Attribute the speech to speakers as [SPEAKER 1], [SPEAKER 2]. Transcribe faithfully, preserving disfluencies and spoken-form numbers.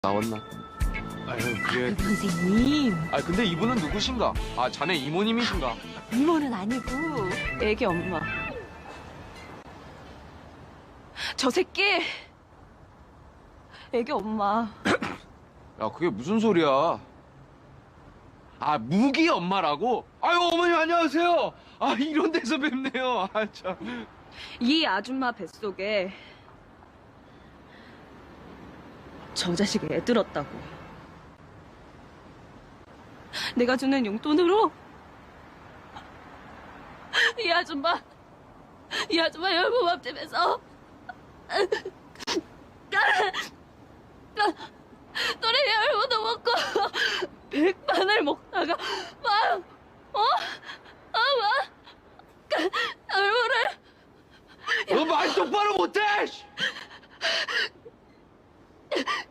[SPEAKER 1] 나왔나? 아유 그래.
[SPEAKER 2] 선생님,
[SPEAKER 1] 아 근데 이분은 누구신가? 아 자네 이모님이신가?
[SPEAKER 2] 이모는 아니고 애기 엄마. 저 새끼 애기 엄마.
[SPEAKER 1] 야 그게 무슨 소리야? 아 무기 엄마라고? 아유 어머니 안녕하세요. 아 이런 데서 뵙네요. 아 참.
[SPEAKER 2] 이 아줌마 뱃속에 저 자식 애 들었다고. 내가 주는 용돈으로 이 아줌마 이 아줌마 열무밥집에서 또래 열무도 먹고 백반을 먹다가 막 어? 어? 막 열무를
[SPEAKER 1] 너 말 똑바로 못해! 씨!